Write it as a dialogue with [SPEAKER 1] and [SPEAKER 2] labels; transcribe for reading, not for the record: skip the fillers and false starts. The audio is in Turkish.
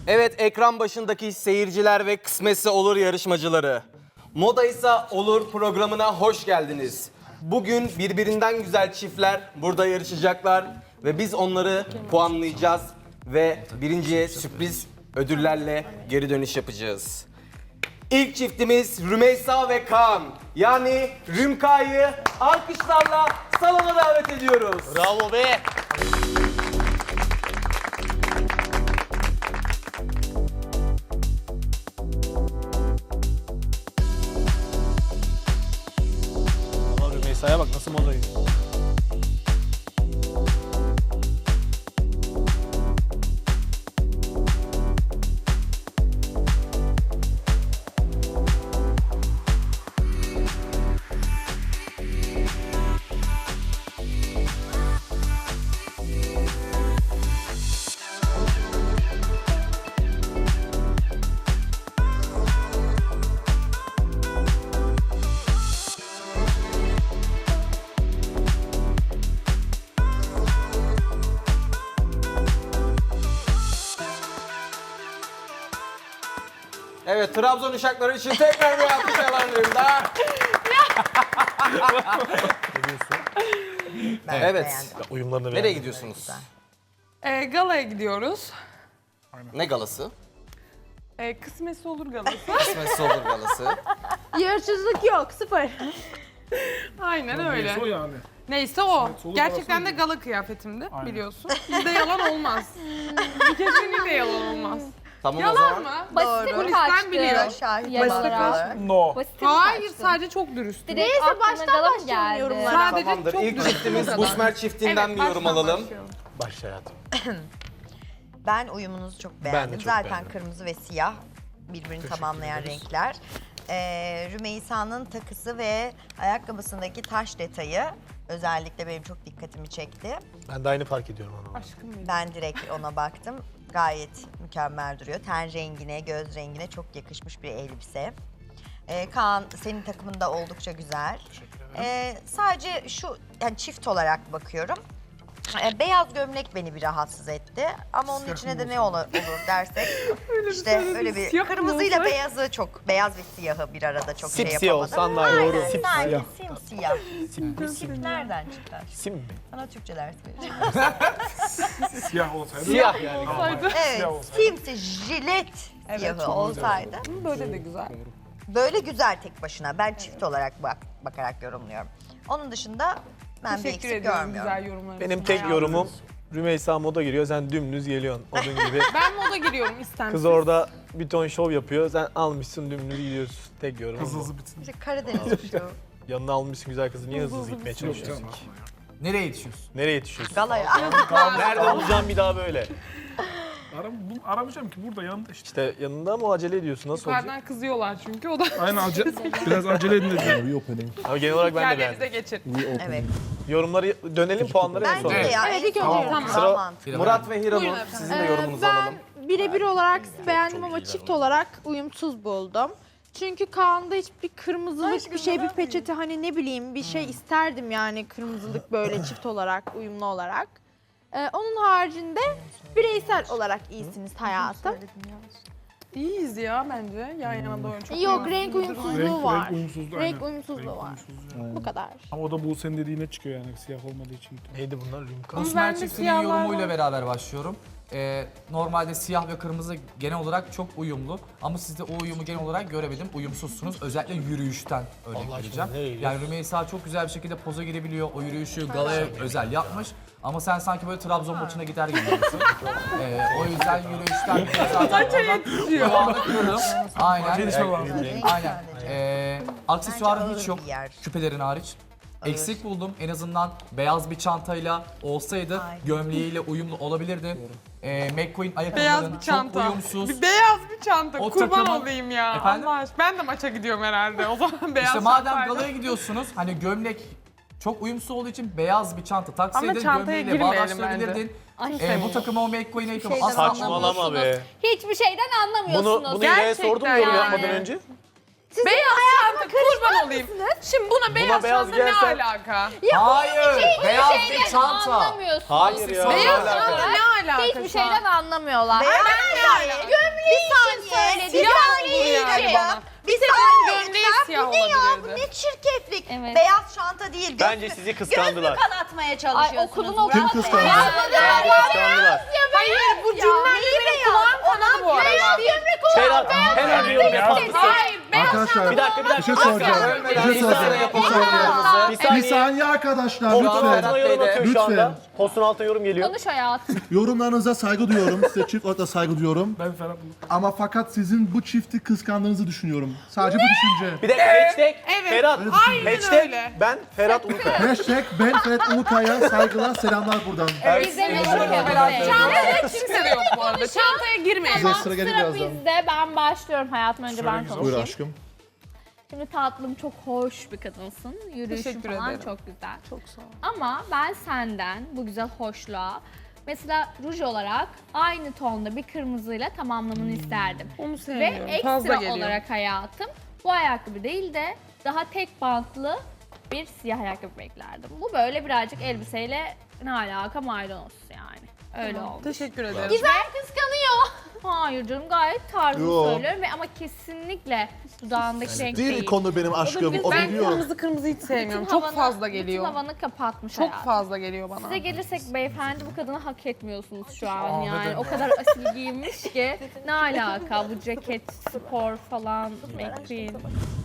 [SPEAKER 1] Evet, ekran başındaki seyirciler ve kısmetse olur yarışmacıları. Moda ise olur programına hoş geldiniz. Bugün birbirinden güzel çiftler burada yarışacaklar ve biz onları puanlayacağız ve birinciye sürpriz ödüllerle geri dönüş yapacağız. İlk çiftimiz Rümeysa ve Kaan. Yani Rümka'yı alkışlarla salona davet ediyoruz.
[SPEAKER 2] Bravo be. Ama Rümeysa'ya bak nasıl modayı.
[SPEAKER 1] Evet, Trabzon uşakları için tekrar bir alkış alalım da. Evet.
[SPEAKER 2] Uyumlarını
[SPEAKER 1] Nereye
[SPEAKER 2] beğendim.
[SPEAKER 1] gidiyorsunuz?
[SPEAKER 3] Galaya gidiyoruz.
[SPEAKER 1] Ne galası?
[SPEAKER 3] Kısmetse olur galası.
[SPEAKER 1] Kısmetse olur galası.
[SPEAKER 4] Yarışsızlık yok, sıfır.
[SPEAKER 3] Aynen öyle.
[SPEAKER 5] Neyse o yani.
[SPEAKER 3] Neyse o.
[SPEAKER 5] olur
[SPEAKER 3] Gerçekten de
[SPEAKER 5] galası
[SPEAKER 3] gala kıyafetimdi biliyorsun. Bizde yalan olmaz. Kesinlikle yalan olmaz.
[SPEAKER 1] Tamam o
[SPEAKER 3] Yalan
[SPEAKER 1] zaman.
[SPEAKER 3] mı?
[SPEAKER 4] Basite mi
[SPEAKER 3] Polisten
[SPEAKER 4] kaçtı?
[SPEAKER 3] biliyor.
[SPEAKER 4] Basite kaçtı.
[SPEAKER 5] No.
[SPEAKER 4] Basite mi
[SPEAKER 3] Hayır,
[SPEAKER 4] kaçtı?
[SPEAKER 3] sadece çok dürüstüm.
[SPEAKER 4] Neyse baştan başlayalım yorumlara.
[SPEAKER 3] Sadece
[SPEAKER 1] Tamamdır.
[SPEAKER 3] çok
[SPEAKER 1] İlk
[SPEAKER 3] dürüstüm.
[SPEAKER 1] çiftimiz
[SPEAKER 3] bu kadar.
[SPEAKER 1] Busmer çiftinden
[SPEAKER 3] Evet,
[SPEAKER 1] bir yorum
[SPEAKER 3] baştan
[SPEAKER 1] alalım.
[SPEAKER 3] başlayalım.
[SPEAKER 2] Başla hayatım.
[SPEAKER 6] Ben uyumunuzu çok
[SPEAKER 2] Ben
[SPEAKER 6] beğendim.
[SPEAKER 2] de çok
[SPEAKER 6] Zaten
[SPEAKER 2] beğendim.
[SPEAKER 6] kırmızı ve siyah birbirini tamamlayan renkler. Rümeysa'nın takısı ve ayakkabısındaki taş detayı özellikle benim çok dikkatimi çekti.
[SPEAKER 2] Ben de aynı fark ediyorum onu.
[SPEAKER 3] Aşkım benim.
[SPEAKER 6] Ben direkt ona baktım. Gayet mükemmel duruyor. Ten rengine, göz rengine çok yakışmış bir elbise. Kaan, senin takımın da oldukça güzel. Sadece şu, yani çift olarak bakıyorum. Beyaz gömlek beni bir rahatsız etti. Ama onun içine de ne olur dersek işte öyle bir
[SPEAKER 3] siyah mı
[SPEAKER 6] kırmızıyla
[SPEAKER 3] olsa?
[SPEAKER 6] beyazı çok, beyaz ve siyahı bir arada çok şey
[SPEAKER 2] Sipsiyah
[SPEAKER 6] yapamadım.
[SPEAKER 2] olsan daha iyi. Doğru.
[SPEAKER 6] Sanki simsiyah.
[SPEAKER 2] Sim.
[SPEAKER 6] Sip nereden çıkar?
[SPEAKER 2] Sim mi?
[SPEAKER 6] Sana Türkçe ders vereceğim.
[SPEAKER 5] Siyah olsaydı.
[SPEAKER 2] Siyah yani.
[SPEAKER 6] Evet,
[SPEAKER 5] Siyah olsaydı.
[SPEAKER 6] simsi, jilet siyahı olsaydı.
[SPEAKER 3] Böyle de güzel.
[SPEAKER 6] Böyle güzel tek başına. Ben çift olarak bakarak yorumluyorum. Onun dışında ben bir
[SPEAKER 3] Teşekkür
[SPEAKER 6] eksik
[SPEAKER 3] ediyorum
[SPEAKER 6] görmüyorum.
[SPEAKER 3] güzel yorumlarınız
[SPEAKER 2] Benim
[SPEAKER 3] için.
[SPEAKER 2] tek yorumum Rümeysa moda giriyor, sen dümdüz geliyorsun odun gibi.
[SPEAKER 3] Ben moda giriyorum istemsiz.
[SPEAKER 2] Kız orada bir ton şov yapıyor, sen almışsın dümdüz gidiyorsun. Tek yorumum
[SPEAKER 5] Hızlı
[SPEAKER 2] bu.
[SPEAKER 5] hızlı bitsin.
[SPEAKER 6] İşte Karadeniz şu.
[SPEAKER 2] Yanına almışsın güzel kızı, niye hızlı hızlı gitmeye çalışıyorsun ki?
[SPEAKER 7] Nereye yetişiyorsun?
[SPEAKER 2] Nereye yetişiyorsun?
[SPEAKER 6] Galaya.
[SPEAKER 2] Nerede bulacağım bir daha böyle?
[SPEAKER 5] Aramayacağım ki burada yanında işte.
[SPEAKER 2] İşte yanında mı acele ediyorsun, nasıl olacak?
[SPEAKER 3] Yukarıdan kızıyorlar çünkü o da
[SPEAKER 5] Aynen biraz acele edin dedim.
[SPEAKER 2] Ama genel olarak ben de
[SPEAKER 3] yerlerinize
[SPEAKER 2] beğendim.
[SPEAKER 3] geçin.
[SPEAKER 6] Evet.
[SPEAKER 2] Yorumları dönelim, puanları en
[SPEAKER 6] Bence
[SPEAKER 2] son.
[SPEAKER 6] de ya.
[SPEAKER 4] Evet,
[SPEAKER 6] en
[SPEAKER 4] ilk
[SPEAKER 6] son
[SPEAKER 4] önce
[SPEAKER 3] tamam.
[SPEAKER 6] daha
[SPEAKER 2] Sıra-
[SPEAKER 6] mantıklı.
[SPEAKER 1] Murat ve Hiranur,
[SPEAKER 3] Buyurun efendim.
[SPEAKER 1] sizin de yorumunuzu alalım.
[SPEAKER 4] Birebir olarak beğendim ama çift olarak uyumsuz buldum. Çünkü Kaan'da hiçbir kırmızılık bir şey, bir peçete hani ne bileyim bir şey isterdim yani kırmızılık böyle çift olarak, uyumlu olarak. Onun haricinde bireysel olarak iyisiniz hayatım.
[SPEAKER 3] İyiyiz ya bence yan yana doğru çok
[SPEAKER 4] Yok,
[SPEAKER 3] iyi.
[SPEAKER 4] renk uyumsuzluğu var.
[SPEAKER 5] uyumsuzluğu.
[SPEAKER 4] Renk
[SPEAKER 5] aynen.
[SPEAKER 4] uyumsuzluğu var. Bu kadar.
[SPEAKER 5] Ama o da bu senin dediğine çıkıyor yani siyah olmadığı için.
[SPEAKER 2] Neydi bunlar? Rümka.
[SPEAKER 3] Ama
[SPEAKER 7] Osman
[SPEAKER 3] bende
[SPEAKER 7] çiftinin
[SPEAKER 3] siyahlar
[SPEAKER 7] yorumuyla
[SPEAKER 3] var.
[SPEAKER 7] beraber başlıyorum. Normalde siyah ve kırmızı genel olarak çok uyumlu. Ama sizde o uyumu genel olarak göremedim. Uyumsuzsunuz. Özellikle yürüyüşten örnek
[SPEAKER 2] Allah aşkına,
[SPEAKER 7] vereceğim.
[SPEAKER 2] nereye
[SPEAKER 7] Yani Rümeysa çok güzel bir şekilde poza girebiliyor. O yürüyüşü galaya özel yapmış. Ama sen sanki böyle Trabzon maçına gider gibi gidiyorsun. O yüzden yürüyüşten zaten kulağını kırdım. Aynen.
[SPEAKER 5] Gelişme var.
[SPEAKER 7] Aynen. Aksesuarın
[SPEAKER 6] Bence
[SPEAKER 7] hiç yok.
[SPEAKER 6] ağır bir yer.
[SPEAKER 7] Küpelerin hariç. Eksik buldum. En azından beyaz bir çantayla olsaydı
[SPEAKER 6] Aynen.
[SPEAKER 7] gömleğiyle uyumlu olabilirdi. McQueen
[SPEAKER 3] Beyaz
[SPEAKER 7] ayakkabıların
[SPEAKER 3] bir
[SPEAKER 7] çok
[SPEAKER 3] çanta.
[SPEAKER 7] uyumsuz.
[SPEAKER 3] Bir beyaz bir çanta.
[SPEAKER 7] O
[SPEAKER 3] Kurban
[SPEAKER 7] takımın-
[SPEAKER 3] olayım ya.
[SPEAKER 7] Efendim?
[SPEAKER 3] Allah aşkına. Ben de maça gidiyorum herhalde. O zaman beyaz
[SPEAKER 7] İşte madem
[SPEAKER 3] çantayla.
[SPEAKER 7] galaya gidiyorsunuz hani gömlek çok uyumsuz olduğu için beyaz bir çanta taksaydın
[SPEAKER 3] çantaya
[SPEAKER 7] gömleğiyle
[SPEAKER 3] girmeyelim
[SPEAKER 7] bağdaştırabilirdin.
[SPEAKER 3] Ay,
[SPEAKER 7] Bu takıma o McQueen ayakkabı
[SPEAKER 4] şeyden
[SPEAKER 7] asla
[SPEAKER 2] Saçmalama be.
[SPEAKER 4] Hiçbir şeyden anlamıyorsunuz.
[SPEAKER 2] Bunu İlhan'a sordum mu yorum
[SPEAKER 3] yani.
[SPEAKER 2] yapmadan önce?
[SPEAKER 3] Beyaz çanta kurban olayım. Şimdi buna beyaz
[SPEAKER 2] beyaz
[SPEAKER 3] çanta
[SPEAKER 2] giyersen-
[SPEAKER 3] ne alaka?
[SPEAKER 7] Hayır, beyaz bir çanta.
[SPEAKER 4] Anlamıyorsunuz.
[SPEAKER 2] Hayır ya.
[SPEAKER 3] Beyaz
[SPEAKER 2] ne alaka?
[SPEAKER 3] çanta ne alaka
[SPEAKER 4] Hiçbir
[SPEAKER 3] şu an?
[SPEAKER 4] şeyden anlamıyorlar.
[SPEAKER 6] Beyaz
[SPEAKER 3] siyah
[SPEAKER 6] bu ne ya? Bu
[SPEAKER 3] olabilirdi.
[SPEAKER 6] ne çirkeflik.
[SPEAKER 8] Evet.
[SPEAKER 6] Beyaz çanta değil.
[SPEAKER 2] Bence sizi kıskandılar.
[SPEAKER 6] Göz mü kanatmaya
[SPEAKER 8] Ay
[SPEAKER 6] çalışıyorsunuz?
[SPEAKER 8] okulun
[SPEAKER 6] Murat
[SPEAKER 9] Kim
[SPEAKER 6] Bey?
[SPEAKER 9] kıskandı?
[SPEAKER 2] Bence kıskandılar.
[SPEAKER 3] Hayır bu cümlede benim kulağım kanadı bu arada.
[SPEAKER 2] Ferhat hemen bir yorum yapar mısın?
[SPEAKER 3] Hayır beyaz
[SPEAKER 9] Arkadaşlar
[SPEAKER 2] Bir dakika.
[SPEAKER 9] bir şey soracağım. Bir şey soracağım. Bir saniye arkadaşlar
[SPEAKER 2] Ferhat
[SPEAKER 9] lütfen.
[SPEAKER 2] bana yorum atıyor şu anda.
[SPEAKER 9] Lütfen.
[SPEAKER 2] Postun altına yorum geliyor.
[SPEAKER 8] Konuş hayatım.
[SPEAKER 9] Yorumlarınıza saygı duyuyorum. Size çift olarak da saygı duyuyorum.
[SPEAKER 5] Ben Ferhat
[SPEAKER 9] Ama fakat sizin bu çifti kıskandığınızı düşünüyorum. Sadece bu düşünce.
[SPEAKER 2] Bir dakika hashtag
[SPEAKER 3] Evet.
[SPEAKER 2] Ferhat.
[SPEAKER 3] Aynen
[SPEAKER 2] Hashtag
[SPEAKER 3] öyle.
[SPEAKER 2] ben Ferhat Ulukaya.
[SPEAKER 9] Hashtag ben Ferhat Ulukaya saygılar selamlar buradan.
[SPEAKER 8] Biz de meşhur
[SPEAKER 3] Çantaya kimse de yok bu arada. Çantaya girmeyin.
[SPEAKER 9] Size sıra gelir
[SPEAKER 8] Sıra
[SPEAKER 9] birazdan.
[SPEAKER 8] bizde. Ben başlıyorum hayatım. Önce ben
[SPEAKER 5] güzel.
[SPEAKER 9] Buyur
[SPEAKER 8] konuşayım.
[SPEAKER 9] aşkım.
[SPEAKER 8] Şimdi tatlım çok hoş bir kadınsın. Yürüyüşün
[SPEAKER 3] Teşekkür
[SPEAKER 8] falan
[SPEAKER 3] ederim.
[SPEAKER 8] çok güzel.
[SPEAKER 3] Çok sağ ol.
[SPEAKER 8] Ama ben senden bu güzel hoşluğa mesela ruj olarak aynı tonda bir kırmızıyla tamamlamanı isterdim.
[SPEAKER 3] Onu
[SPEAKER 8] Ve
[SPEAKER 3] sevmiyorum. Fazla
[SPEAKER 8] ekstra
[SPEAKER 3] geliyor.
[SPEAKER 8] olarak hayatım bu ayakkabı değil de daha tek bantlı bir siyah ayakkabı beklerdim. Bu böyle birazcık elbiseyle ne alaka maydanoz yani. Öyle oldu.
[SPEAKER 3] Teşekkür ederim.
[SPEAKER 8] Güzel kıskanıyor. Hayır canım gayet tarzını
[SPEAKER 9] Yo.
[SPEAKER 8] söylüyorum ve ama kesinlikle dudağındaki renk
[SPEAKER 9] Değil
[SPEAKER 8] değil.
[SPEAKER 9] konu benim aşkım. O
[SPEAKER 3] Ben
[SPEAKER 9] biliyor.
[SPEAKER 3] kırmızı hiç sevmiyorum.
[SPEAKER 8] Bütün
[SPEAKER 3] Çok
[SPEAKER 8] havanı-
[SPEAKER 3] fazla geliyor.
[SPEAKER 8] Bütün havanı kapatmış
[SPEAKER 3] Çok
[SPEAKER 8] hayatım.
[SPEAKER 3] fazla geliyor bana.
[SPEAKER 8] Size gelirsek beyefendi bu kadını hak etmiyorsunuz şu an
[SPEAKER 5] Aa,
[SPEAKER 8] yani.
[SPEAKER 5] neden?
[SPEAKER 8] O kadar asil giyinmiş ki ne alaka bu ceket, spor falan, McQueen.